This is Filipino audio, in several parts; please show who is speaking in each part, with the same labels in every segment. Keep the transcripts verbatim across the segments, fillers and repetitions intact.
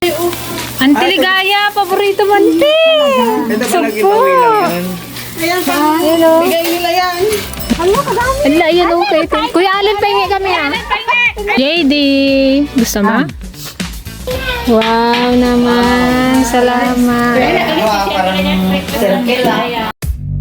Speaker 1: Auntie Ligaya, paborito mo, Auntie.
Speaker 2: Ito pala giveaway lang yan.
Speaker 3: Ayan ka.
Speaker 1: Hello.
Speaker 3: Bigay nila yan.
Speaker 1: Ala, yan okay. Kuya Allen, pahingi kami ah. J D. Gusto mo? Wow naman. Salamat.
Speaker 2: Wow, parang circle lang.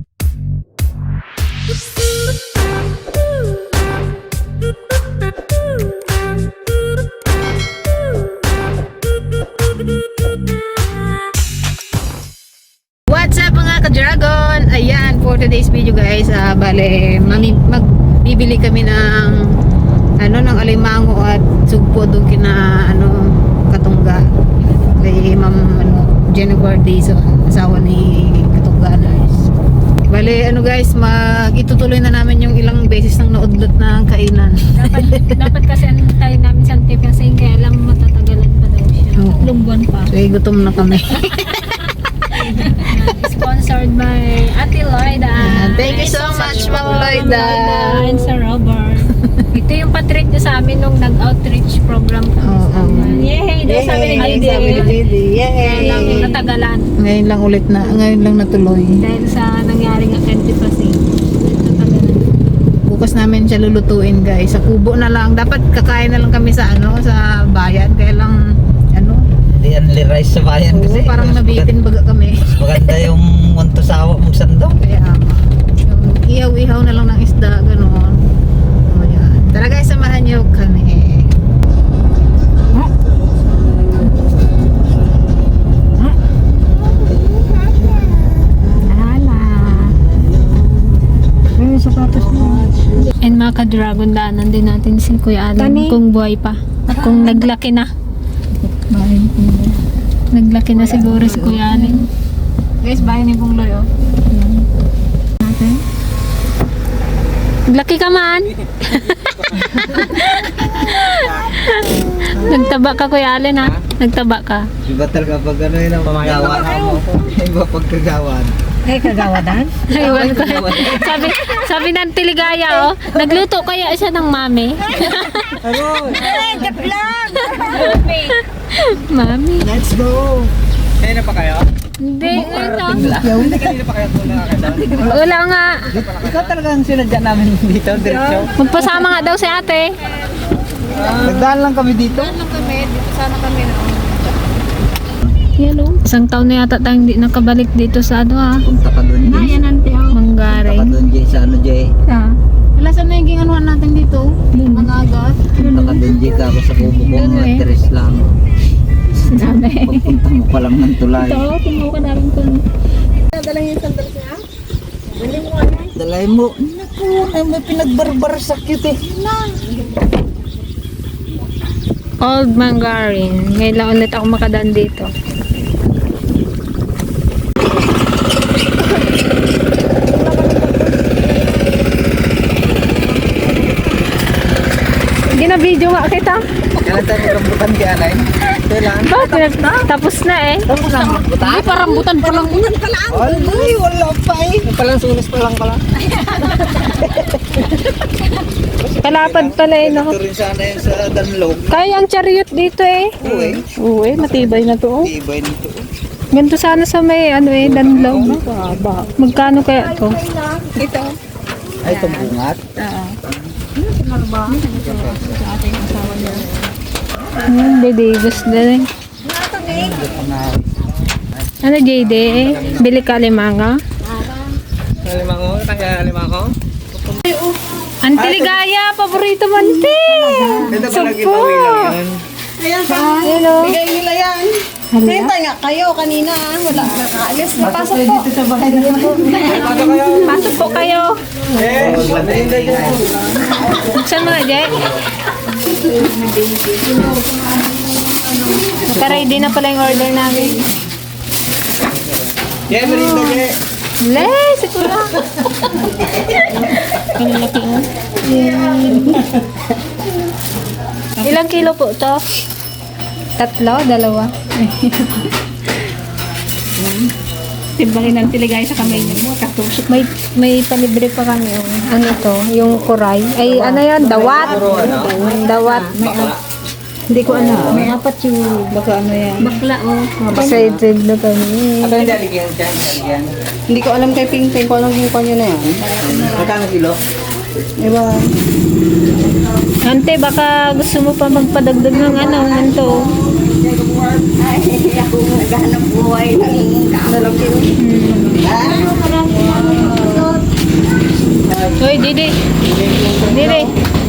Speaker 1: What's up mga ka-dragon? Ayan, for today's video guys, uh, bale, mami, magbibili kami ng ano, ng alimango at sugpo doon kina ano, Katungga. Kay Ma'am ano, Jennifer Dizo, asawa ni Katungga guys. Bale, ano guys, mag itutuloy na namin yung ilang beses nang naudlot na kainan.
Speaker 4: dapat, dapat kasi tayo namin sa tip kasi kaya lang matatagalan pa daw siya.
Speaker 1: Oo.
Speaker 4: Tatlong buwan pa.
Speaker 1: So, eh, gutom na kami.
Speaker 4: Sponsored by Ate Lloyda.
Speaker 1: Thank you so much, Ma'am Lloyda.
Speaker 4: And sa Robert. Ito yung patreat niya sa amin nung nag-outreach program kami.
Speaker 1: Oo.
Speaker 4: sa amin. Yay! Daw sabi ni
Speaker 1: Yay!
Speaker 4: J D.
Speaker 1: Sabi ni J D. Yay!
Speaker 4: Kaya lang natagalan.
Speaker 1: Ngayon lang ulit na, ngayon lang natuloy.
Speaker 4: Dahil sa nangyaring antipassing. Natagalan.
Speaker 1: Bukas namin siya lulutuin guys. Sa kubo na lang. Dapat kakain na lang kami sa ano, sa bayan. Kaya lang, ano,
Speaker 2: Di only rice sa bayan
Speaker 1: oo,
Speaker 2: kasi.
Speaker 1: parang
Speaker 2: mas
Speaker 1: nabitin baga kami.
Speaker 2: maganda- Maganda yung munto sawa mong sandok.
Speaker 1: Kaya, yung ihaw-ihaw na lang ng isda, gano'n. O yan. Tara guys, samahan niyo kami.
Speaker 4: And mga ka-dragon, daanan din natin si Kuya Alan kung buhay pa. Kung naglaki na. Naglaki na siguro si Kuya Alan.
Speaker 1: Guys, bayan ni Pong Loy, oh.
Speaker 4: Naglaki ka man. Nagtaba ka Kuya Alan ha? Nagtaba ka.
Speaker 2: Iba talaga pag ano yun ang paggawa mo. Iba pagkagawan.
Speaker 1: Ay, kagawadan?
Speaker 4: Aywan ko. sabi, sabi ng Tiligaya, oh, nagluto kaya siya ng mami.
Speaker 2: Ano?
Speaker 4: Mami.
Speaker 2: Let's go! Kaya na pa kayo?
Speaker 4: Hindi, ito.
Speaker 2: Hindi kanina pa kayo tulong kayo.
Speaker 4: Wala nga.
Speaker 2: Ikaw talaga ang sinadya namin dito, diretsyo.
Speaker 4: Magpasama nga daw si ate.
Speaker 2: Nagdaan lang kami dito.
Speaker 1: Saan lang kami? Dito sana kami na.
Speaker 4: Yan o. Isang taon na yata tayong di nakabalik dito sa ano ha.
Speaker 2: Punta ka doon, Jay.
Speaker 4: ante oh.
Speaker 2: Punta ka
Speaker 4: Manggaring.
Speaker 2: doon, Jay. Sa ano, Jay?
Speaker 4: Ah.
Speaker 1: Wala saan na yung anuhan natin dito? Mga agas.
Speaker 2: Punta ka doon, Jay. Ako sa kubo ko,
Speaker 4: Doon,
Speaker 2: mga
Speaker 4: eh.
Speaker 2: tres lang.
Speaker 4: Sinabi.
Speaker 2: Pagpunta mo pa lang ng tulay.
Speaker 4: Ito, tumuha ka namin kung
Speaker 2: Dalay mo. Naku, ay may pinagbarbar sa cute eh.
Speaker 4: Old Manggaring. Ngayon lang ulit ako makadaan dito. Gina-video nga kita.
Speaker 2: Kailan tayo magrambutan kay Alay? Kailan?
Speaker 4: Bakit? Tapos na eh.
Speaker 2: Tapos na magrambutan?
Speaker 4: Ay, parambutan pa lang.
Speaker 2: Ay, wala pa eh. Palang sunis pa lang pala.
Speaker 4: Kalapad pala eh, no?
Speaker 2: Ito rin sana yun sa Danlog.
Speaker 4: Kaya ang chariot dito eh.
Speaker 2: Uy,
Speaker 4: Uy, matibay na to.
Speaker 2: tibay nito.
Speaker 4: Ganito sana sa may ano eh, danlog. Magkano kaya to?
Speaker 2: Ay, ito bungat.
Speaker 4: Hmm, Didigos din eh. Ano J D eh? Bili ka limanga?
Speaker 2: Lima ko, tanggal lima ko.
Speaker 4: Auntie Ligaya, paborito mo Auntie!
Speaker 2: Ito pala
Speaker 4: Sugpo!
Speaker 2: giveaway lang yan.
Speaker 3: Ayan ka.
Speaker 4: Hello!
Speaker 3: Bigay nila yan. Hintay nga kayo kanina. ah. Wala nakaalis. Napasok po.
Speaker 2: Dito sa bahay na po.
Speaker 4: Pasok po kayo!
Speaker 2: Eh, hindi ka po.
Speaker 4: Saan mga Jay? Naka-ready na pala yung order namin.
Speaker 2: Yeah, merinda kaya.
Speaker 4: Le, siguro. Ang laki nga. Ilang kilo po to? Tatlo? Dalawa?
Speaker 3: Timbangin ng tiligay sa kamay niyo. Katusok.
Speaker 4: May may palibre pa kami. Oh. Ano to? Yung kuray. Ay, ano yan? Dawat. Dawat.
Speaker 1: Hindi ko alam.
Speaker 4: May apat yung
Speaker 1: Baka ano yan.
Speaker 4: bakla oh.
Speaker 1: Excited na kami.
Speaker 2: Ano yung daligyan dyan? Daligyan.
Speaker 3: Hindi ko alam kay Ping Ping kung anong ginkon nyo na yan.
Speaker 2: Magkano kilo?
Speaker 3: Diba?
Speaker 1: Ante, baka gusto mo pa magpadagdag ng ano, nanto.
Speaker 3: Ay, ako naghanap buhay ng kamalaki.
Speaker 1: Hoy, Didi. Didi.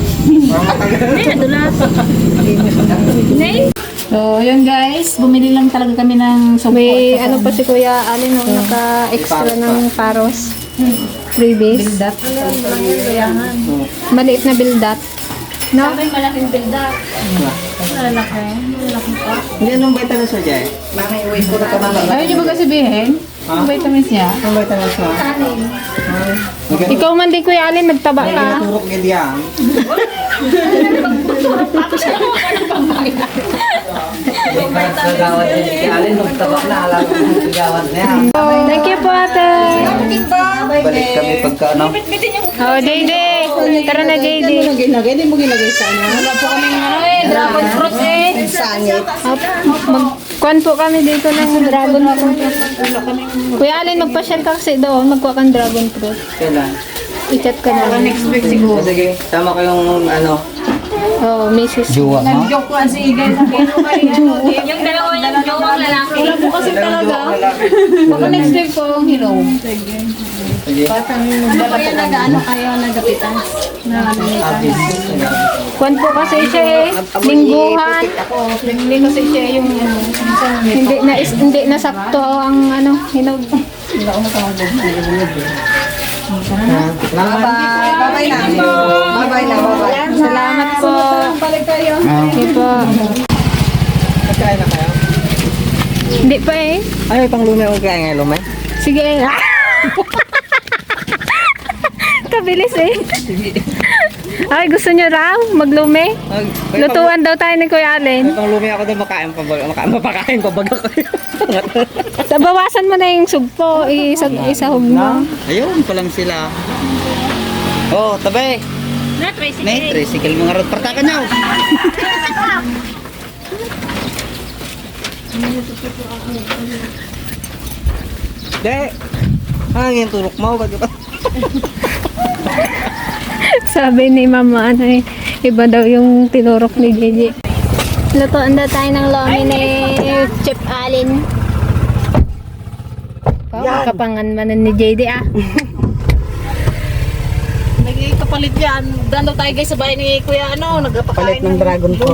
Speaker 1: So, yun guys, bumili lang talaga kami ng support. May ano pa si Kuya Alin nung naka-extra ng paros. Freebies. Bildat. Maliit na bildat. No?
Speaker 4: May malaking bilda. Malaki. Malaki pa.
Speaker 2: Hindi, anong vitamins mo dyan?
Speaker 3: Mami, uwi ko na ka mami.
Speaker 1: Ayaw niyo ba sabihin? Ang vitamins niya?
Speaker 2: Anong vitamins mo? Magkano?
Speaker 1: Ikaw man din Kuya Alin, nagtaba
Speaker 2: Ay,
Speaker 1: ka.
Speaker 2: naturok niya diyan. Gawad niya si Alin, magtabak na. Alam ko yung gawad niya.
Speaker 1: Thank you po ate.
Speaker 2: Balik kami pagka ano.
Speaker 1: Oh, J D. Tara na J D.
Speaker 3: Ginagay, hindi mo ginagay sa ano.
Speaker 4: Wala po kaming ano eh, dragon fruit eh.
Speaker 3: Sangit.
Speaker 1: Mag-kuan po kami dito ng dragon fruit. Kuya Alin, magpa-share ka kasi doon. Magkuha kang dragon fruit.
Speaker 2: Kailan?
Speaker 1: I-chat ka na. Next week siguro.
Speaker 2: O, sige, tama ko yung ano.
Speaker 1: Oh, missus
Speaker 2: Juwa mo?
Speaker 4: Joke ko kasi guys. Yung dalawa yung jowang lalaki. Wala po kasi talaga.
Speaker 1: Baka next week po ang hero.
Speaker 2: Sige.
Speaker 4: Ano po yan nag-ano kayo, nagapitan?
Speaker 2: Abis.
Speaker 1: Kuan po kasi siya eh. Lingguhan. Hindi kasi siya yung ano. Hindi na is, hindi na sakto ang ano, hinog.
Speaker 2: Salamat.
Speaker 3: Bye. Bye-bye na. Bye-bye na. Bye-bye.
Speaker 1: Salamat po.
Speaker 3: Balik kayo.
Speaker 1: Hindi po.
Speaker 2: Magkain na kayo?
Speaker 1: Hindi pa eh.
Speaker 2: Ay, pang lumay ang kaya ngayon lumay.
Speaker 1: Sige. Kabilis eh. Ay, gusto nyo raw maglume? Lutuan daw tayo ni Kuya Alin.
Speaker 2: Pang lumay ako doon makain pa baga. Makain, mapakain pa baga kayo.
Speaker 1: Bawasan mo na yung sugpo. Isag, isahog mo.
Speaker 2: Ayun pa lang sila. Oh, tabi.
Speaker 4: Na, tricycle.
Speaker 2: May tricycle mga rod. Partakan niyo. De. Hangin turok mo. Ba't ba?
Speaker 1: Sabi ni Mama, ano eh, iba daw yung tinurok ni Gigi. Lutuan daw tayo ng lomi ni Chef Alin. Oh, makapanganmanan ni J D ah.
Speaker 3: Nagkapalit yan. Doon daw tayo guys sa bahay ni Kuya ano. Nagpapakain
Speaker 2: ng dragon fruit.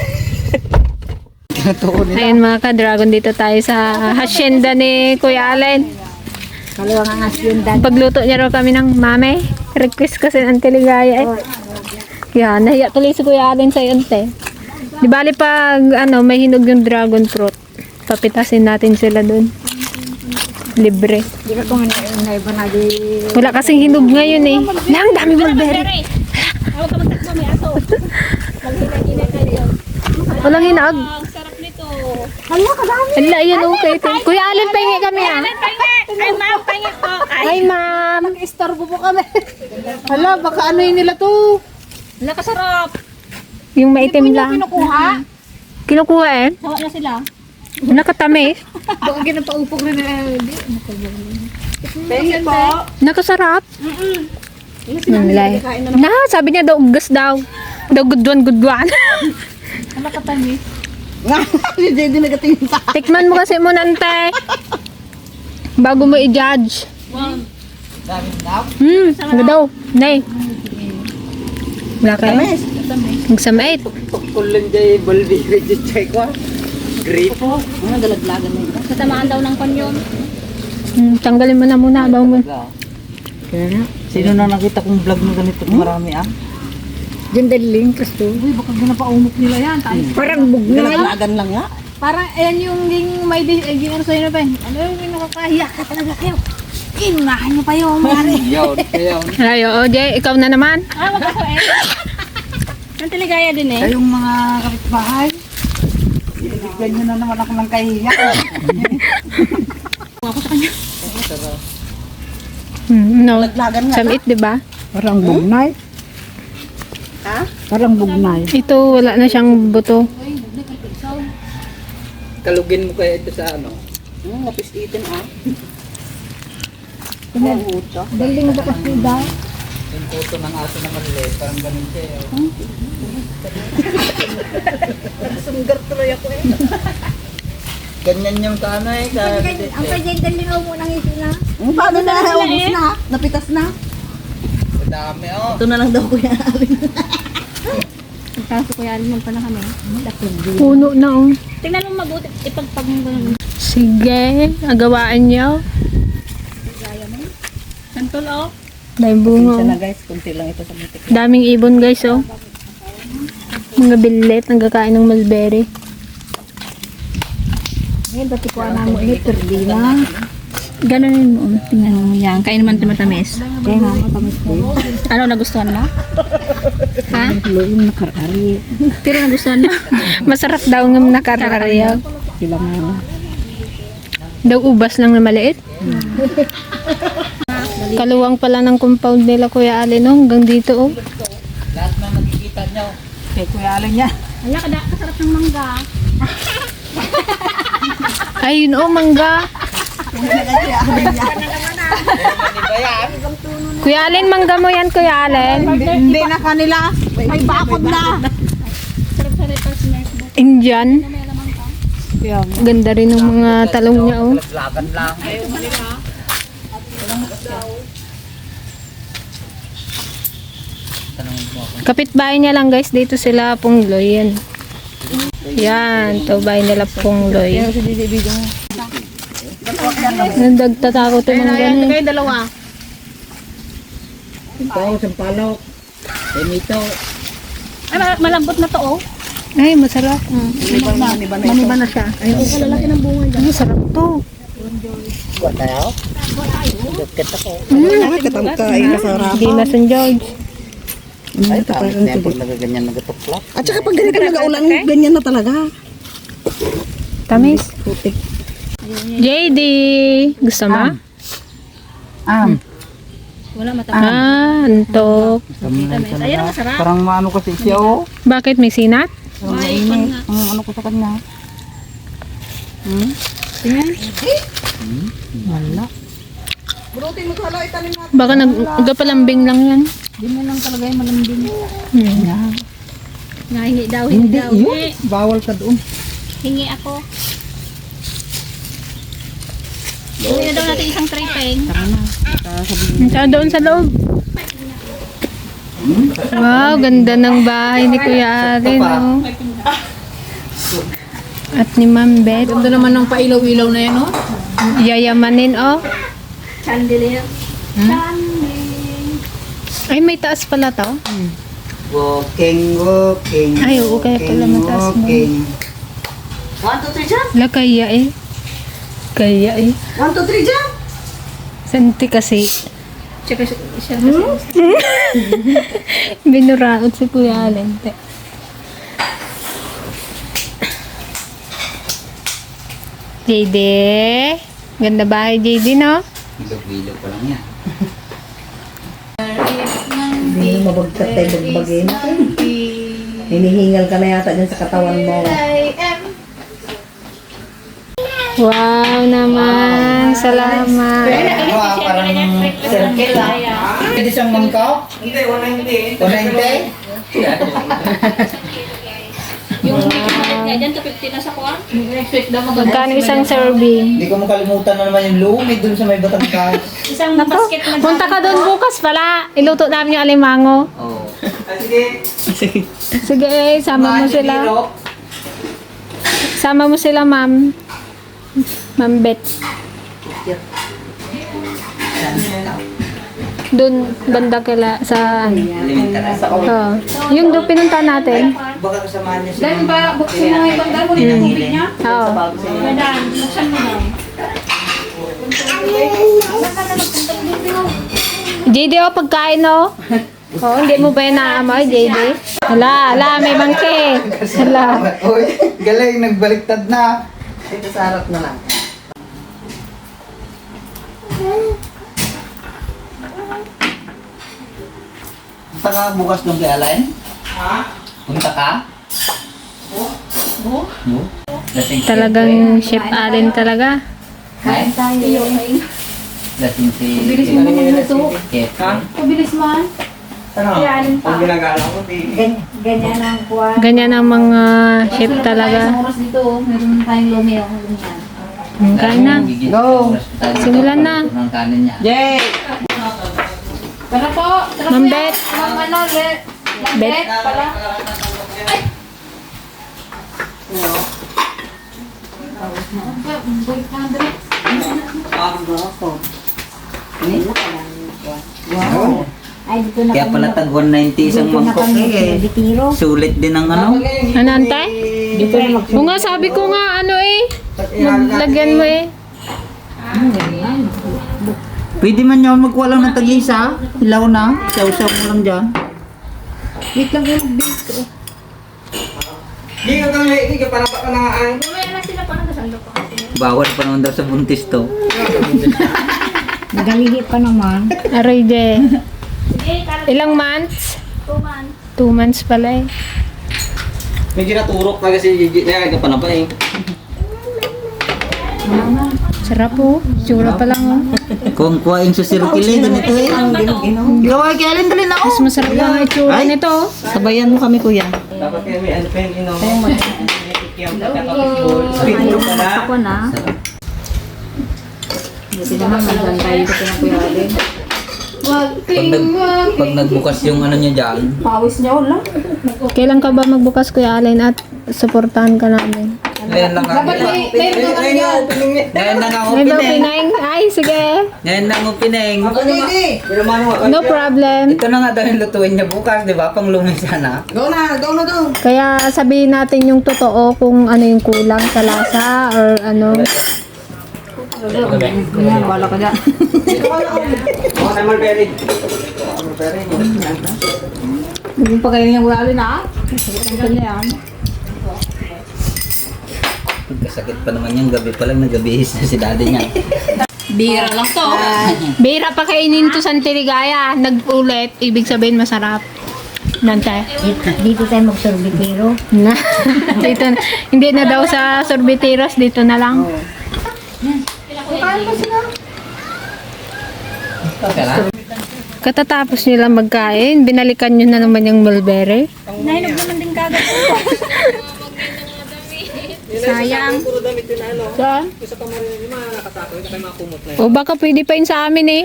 Speaker 2: Tinatuon nila.
Speaker 1: Ayun mga ka-dragon, dito tayo sa hacienda ni Kuya Alin.
Speaker 3: Kaliwa nga hacienda.
Speaker 1: Pagluto niya raw kami ng mame. Request kasi ng Teligaya eh. Yan, nahiya tuloy si Kuya Alin sa yunte. Di bali pag ano, may hinog yung dragon fruit. Papitasin natin sila dun. Libre.
Speaker 3: Di ka kung na iba na di.
Speaker 1: Wala kasing hinog ngayon eh. Lang, dami mulberry.
Speaker 4: Huwag ka magtakbo, may aso. Maghina-hina kayo.
Speaker 1: Walang hinag.
Speaker 4: Ang sarap nito.
Speaker 3: Hala ka dami.
Speaker 1: Ala, yan okay. Kuya Alin, pahingi kami ah.
Speaker 4: Ay, ma'am, pangit po. Ay,
Speaker 1: Ay, ma'am.
Speaker 3: Istorbo po kami. Hala, baka ano yun nila to.
Speaker 4: nakasarap.
Speaker 1: Yung maitim lang.
Speaker 3: Kinukuha.
Speaker 1: Kinukuha eh.
Speaker 4: Sawa na sila.
Speaker 1: Nakatamis.
Speaker 3: Baka ginapaupok rin nila. Thank you po.
Speaker 1: Nakasarap. Nanlay. Na, sabi niya daw, gas daw. Daw gudwan, gudwan.
Speaker 4: Nakatamis.
Speaker 3: Nga, si J D nagatingin sa
Speaker 1: Tikman mo kasi muna, ante. Bago mo i-judge.
Speaker 4: Wow.
Speaker 1: Hmm, ano daw? Nay. Wala kayo? Magsamait.
Speaker 2: Kulang jay baldi reject check ko. Grape.
Speaker 3: Ano dalaglagan na ito?
Speaker 4: Satamaan daw ng panyon.
Speaker 1: Hmm, tanggalin mo na muna. Bago mo.
Speaker 2: Kaya na. Sino na nakita kong vlog na ganito marami ah?
Speaker 3: Jendeling, Kristo. Uy, baka ginapaumok nila yan. Parang bugnay. Dalaglagan lang nga.
Speaker 4: Parang, ayan yung ging may di, eh, ging ano sa'yo na ba? Ano yung nakakahiya ka talaga kayo? Kinunahan niyo pa yung mari.
Speaker 2: Yun, yun.
Speaker 1: Ay, o, Jay, ikaw na naman.
Speaker 4: Ah, wag ako eh. Ang Teligaya din eh.
Speaker 3: Ay, yung mga kapitbahay. Bigyan nyo na naman ako ng kahiya.
Speaker 1: Hmm, no.
Speaker 3: Dalaglagan nga.
Speaker 1: Samit, di ba?
Speaker 3: Parang bugnay. Ha? Parang bugnay.
Speaker 1: Ito, wala na siyang buto.
Speaker 2: Kalugin mo kaya ito sa ano? Hmm, napis-itin ah. Puto.
Speaker 3: Daling mo ba kasi daw?
Speaker 2: Yung puto ng aso na maliit, parang ganun siya. eh. Sunggar tuloy ako eh. Ganyan yung kaano eh. Ka,
Speaker 3: Ang kanya daling mo nang ito na.
Speaker 5: Hmm, paano na? Ubus na? Napitas na?
Speaker 2: Dami oh.
Speaker 5: Ito na lang daw kuya Alin.
Speaker 4: Kaso kuya, alam pa na kami.
Speaker 1: Puno na oh.
Speaker 4: Tingnan mo mabuti, ipagpag mo ganun.
Speaker 1: Sige, agawaan niyo.
Speaker 4: Santol oh.
Speaker 1: Dahil
Speaker 5: Isa
Speaker 1: bunga.
Speaker 5: na guys, kunti lang ito sa butik.
Speaker 1: Daming ibon guys oh. Mga billet, nagkakain ng mulberry.
Speaker 3: Ngayon, dati ko na mo ini perdi na.
Speaker 4: Ganun mo, tingnan mo yan. Kain naman ito matamis.
Speaker 3: Kaya nga, matamis ko.
Speaker 4: Ano, nagustuhan mo? Ha?
Speaker 3: Tulo yung nakarari.
Speaker 4: Pero nagustuhan mo?
Speaker 1: Masarap daw ng nakararaya.
Speaker 3: Sila nga.
Speaker 1: Daw ubas lang na maliit. Kaluwang pala ng compound nila Kuya Alin oh. Hanggang dito oh.
Speaker 2: Lahat na nakikita nyo.
Speaker 3: Kay Kuya Alin niya.
Speaker 4: Wala ka da, kasarap ng mangga.
Speaker 1: Ayun oh, mangga.
Speaker 2: Ano ba yan?
Speaker 1: Kuya Alin, mangga mo yan Kuya Alin.
Speaker 5: Hindi na kanila. May bakod na.
Speaker 4: Sarap sa repas nurse mo.
Speaker 1: Indian. Ganda rin ng mga talong niya oh.
Speaker 2: Laban lang. Tanongin mo ako.
Speaker 1: Kapitbahay niya lang guys, dito sila Pungloy yan. Yan, to bahay nila Pungloy. Nagtatakot yung mga ganun.
Speaker 4: Kayo dalawa.
Speaker 2: Ito, sampalok. Emito.
Speaker 4: Ay, ma- malambot na to oh.
Speaker 1: Ay, masarap.
Speaker 3: Maniba na siya. Ay,
Speaker 4: Lalaki ng bunga dyan.
Speaker 1: Masarap to.
Speaker 2: Buat tayo? Dukit ako.
Speaker 5: Ay, katangka. Ay, kasarap.
Speaker 1: Hindi na San George.
Speaker 2: Ay, tapos na yan pag nagaganyan nagatuklap.
Speaker 5: At saka pag ganito nag-aulan, ganyan na talaga.
Speaker 1: Tamis.
Speaker 5: Putik.
Speaker 1: J D, gusto mo?
Speaker 5: Ah.
Speaker 4: Wala matamis.
Speaker 1: Ah, antok.
Speaker 4: Ayun ang masarap.
Speaker 2: Parang maano kasi siya oh.
Speaker 1: Bakit may sinat?
Speaker 4: May ikon nga.
Speaker 5: Ang ano ko sa kanya.
Speaker 1: Baka nagpalambing lang yan.
Speaker 3: Hindi mo lang talaga yung malambing.
Speaker 1: Hmm.
Speaker 4: Nahingi daw, hingi daw. Hingi.
Speaker 5: Bawal ka doon.
Speaker 4: Hingi ako. Hingi na daw natin isang tray peng.
Speaker 1: Saan doon sa loob? Wow, ganda ng bahay ni Kuya Alin, oh. At ni Ma'am Beth.
Speaker 4: Ganda naman ng pailaw-ilaw na yan oh.
Speaker 1: Yayamanin, oh.
Speaker 4: Chandelier. Chandelier.
Speaker 1: Ay, may taas pala to.
Speaker 2: Walking, walking.
Speaker 1: Ay, oo, kaya pala mataas mo.
Speaker 2: walking.
Speaker 5: One, two, three, jump!
Speaker 1: Wala, kaya eh. Kaya eh.
Speaker 5: One, two, three, jump!
Speaker 1: Santi kasi.
Speaker 4: Tsaka siya siya kasi.
Speaker 1: Binuraot si Kuya Alin. Te. J D. Ganda bahay, J D, no?
Speaker 2: Bilog-bilog pa lang yan.
Speaker 5: Hindi na mabagkat tayo bagbagin. Hinihingal ka na yata dyan sa katawan mo.
Speaker 1: Wow naman. Salamat.
Speaker 2: Ano ah, parang circle ah. Hindi siyang mangkaw? Hindi, one ninety. one ninety?
Speaker 4: Yung niya dyan, two fifty na sa kuwan. Next week daw mag-
Speaker 1: Magkano isang serving?
Speaker 2: Hindi ko makalimutan na naman yung lumid dun sa may Batangas.
Speaker 4: Isang basket na
Speaker 1: Punta ka doon bukas pala. Iluto namin yung alimango.
Speaker 2: Oo. Sige.
Speaker 1: Sige, eh, sama mo sila. Sama mo sila, ma'am. Ma'am Beth. Doon, banda kila sa ano. Oh. Yung doon pinunta natin.
Speaker 2: Baka kasamahan niya siya.
Speaker 4: Dahil ba, buksan mo nga yung banda mo, yung tubig niya.
Speaker 1: Oo.
Speaker 4: Madaan, buksan mo na.
Speaker 1: J D, oh, pagkain, oh. Oh, hindi mo ba yun naamoy, J D? Hala, hala, may mangke. Hala.
Speaker 2: Uy, galing, nagbaliktad na.
Speaker 5: Ito sa harap na lang.
Speaker 2: Punta ka bukas nung kay Alain? Ha? Punta ka? Oo. Oo? Lasing si
Speaker 1: Talagang Chef Allen talaga.
Speaker 4: Kain tayo.
Speaker 2: Lasing si...
Speaker 4: Bilis mo magluto.
Speaker 2: Chef.
Speaker 4: Pabilis man.
Speaker 6: Ano? Ang ginagala ko, di.
Speaker 3: Gan- Ganyan ang kuha.
Speaker 1: Ganyan ang mga chef
Speaker 4: Isang
Speaker 1: talaga.
Speaker 4: oras dito, oh. Meron tayong lumi ako lumihan.
Speaker 1: Hmm, kain na.
Speaker 2: Go!
Speaker 1: Simulan na.
Speaker 2: Ng kanin niya.
Speaker 5: Jay!
Speaker 4: Tara po. Tara
Speaker 1: Ma'am
Speaker 4: po yan.
Speaker 1: Bet.
Speaker 4: Ma'am ano, Bet. Ma'am
Speaker 1: Bet.
Speaker 4: Bet pala. Ay! Boy, Andre.
Speaker 3: Wow. Ay, dito na
Speaker 2: Kaya
Speaker 3: kami.
Speaker 2: pala tag one ninety isang
Speaker 3: Dito na
Speaker 2: mangkok
Speaker 3: kami.
Speaker 2: eh.
Speaker 3: Bitiro.
Speaker 2: Sulit din ang ano.
Speaker 1: Ano, ante?
Speaker 3: Dito na mag-
Speaker 1: O nga, sabi ko nga, ano eh. Maglagyan mo eh.
Speaker 2: Pwede man yun magkuha lang ng tag-isa. Hilaw na. Saw-saw mo lang dyan.
Speaker 3: Wait lang yung bake.
Speaker 6: Di ka kang di ka para pa na ay.
Speaker 2: Bawal pa naman daw sa buntis to.
Speaker 3: Nagalihi pa naman.
Speaker 1: Aray de. Ilang months?
Speaker 4: Two months.
Speaker 1: Two months pala eh.
Speaker 6: May ginaturok na kasi Gigi na ka pa na pa eh.
Speaker 1: Sarap po. Tsura pa lang oh.
Speaker 2: Kung kuhain sa sirkili, ganito eh. Gawa kaya alin dali na
Speaker 1: Mas
Speaker 2: ako.
Speaker 1: masarap lang ang itsura
Speaker 2: Ay.
Speaker 1: nito. oh.
Speaker 2: Sabayan mo kami kuya.
Speaker 6: Dapat kaya may ano pa yung inom. Kaya magkakapitbol. Speed pa na.
Speaker 3: Ako na.
Speaker 5: Buti naman, magdan tayo dito pinakuyalin.
Speaker 4: Wag
Speaker 2: Pag, nag, pag nagbukas yung ano niya dyan,
Speaker 5: Pawis niya, wala.
Speaker 1: Kailan ka ba magbukas Kuya Allen at suportahan ka namin?
Speaker 2: ngayon lang ang
Speaker 4: Dapat may, may mga
Speaker 6: Ayun yung opening niya.
Speaker 2: Ngayon lang ang
Speaker 1: May daw
Speaker 2: opening.
Speaker 1: pineng? Ay, sige.
Speaker 2: Ngayon lang ang opening.
Speaker 6: Pero mano,
Speaker 1: No problem.
Speaker 2: Ito na nga daw yung lutuin niya bukas, di ba? Pang lumi sana.
Speaker 6: go na, go na go.
Speaker 1: Kaya sabihin natin yung totoo kung ano yung kulang sa lasa or ano.
Speaker 5: Yan, bala ka dyan.
Speaker 6: Ako na Mulberry. Mulberry.
Speaker 5: Hindi pa kayo niyang wala na. Ang kanya yan.
Speaker 2: Pagkasakit pa naman yung gabi pa lang, nagabihis na si daddy niya.
Speaker 4: bira lang to.
Speaker 1: Bira pa kainin to sa Antiligaya. Nag-ulit, ibig sabihin masarap. Nante.
Speaker 3: Dito, dito tayo magsorbitero.
Speaker 1: Na. Dito, na- hindi na daw sa sorbiteros, dito na lang. Katatapos nila magkain, binalikan nyo na naman yung mulberry.
Speaker 4: Nahinog naman din kagad.
Speaker 1: Sayang.
Speaker 6: Puro damit yun ano.
Speaker 1: Saan?
Speaker 6: Sa kamarin yung mga nakatako, yung kayo mga kumot na yun.
Speaker 1: O baka pwede pa yun sa amin eh.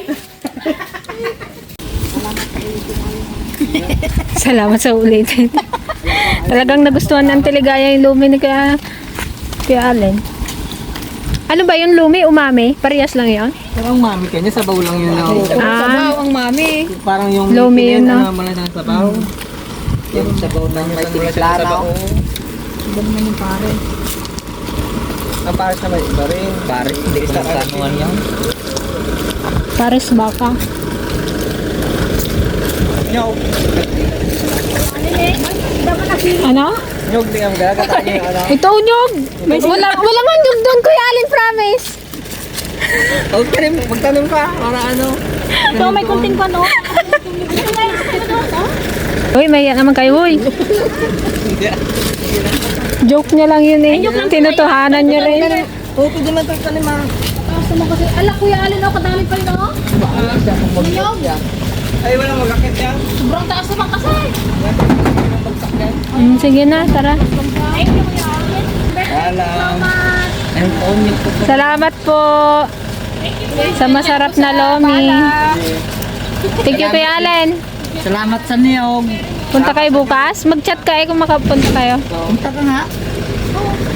Speaker 1: Salamat sa ulitin. Talagang nagustuhan ng Teligaya yung lumi ni Kuya, Kuya Allen. Ano ba yung lumi? Umami? Parehas lang yun?
Speaker 6: Parang mami kanya, sabaw lang yun lang.
Speaker 1: Ah,
Speaker 5: ang mami.
Speaker 6: Parang yung
Speaker 1: Lomi yun, no?
Speaker 6: na malala sa sabaw. Yung sabaw na may timpla na. Ang pares naman iba rin.
Speaker 2: Paris, hindi ko na kanuan yan.
Speaker 1: pares baka.
Speaker 6: Nyog.
Speaker 1: Ano?
Speaker 6: Nyog din ang gagata niya yung ano.
Speaker 1: Ito unyog! Wala, wala man yung doon, Kuya Allen, promise.
Speaker 6: Huwag ka rin, magtanong ka. Para ano.
Speaker 4: Ito, may kunting pa, no?
Speaker 1: Uy, may yan naman kayo, uy. Joke niya lang yun eh. Tinutuhanan niya rin.
Speaker 6: Oo, pwede man ito ni ma.
Speaker 4: Tapos mo kasi, ala, Kuya Allen, oh, kadami pa yun, oh. Inyong,
Speaker 6: Ay, walang magakit yan.
Speaker 4: sobrang taas naman kasi.
Speaker 1: Mm, sige na, tara.
Speaker 4: Thank you, Kuya Allen.
Speaker 6: Alam.
Speaker 2: Ang phone niyo po.
Speaker 1: Salamat po sa masarap na lomi. Thank you, Kuya Allen.
Speaker 2: Salamat sa niyog.
Speaker 1: Punta kayo bukas. Mag-chat kayo kung makapunta kayo.
Speaker 2: Punta ka nga.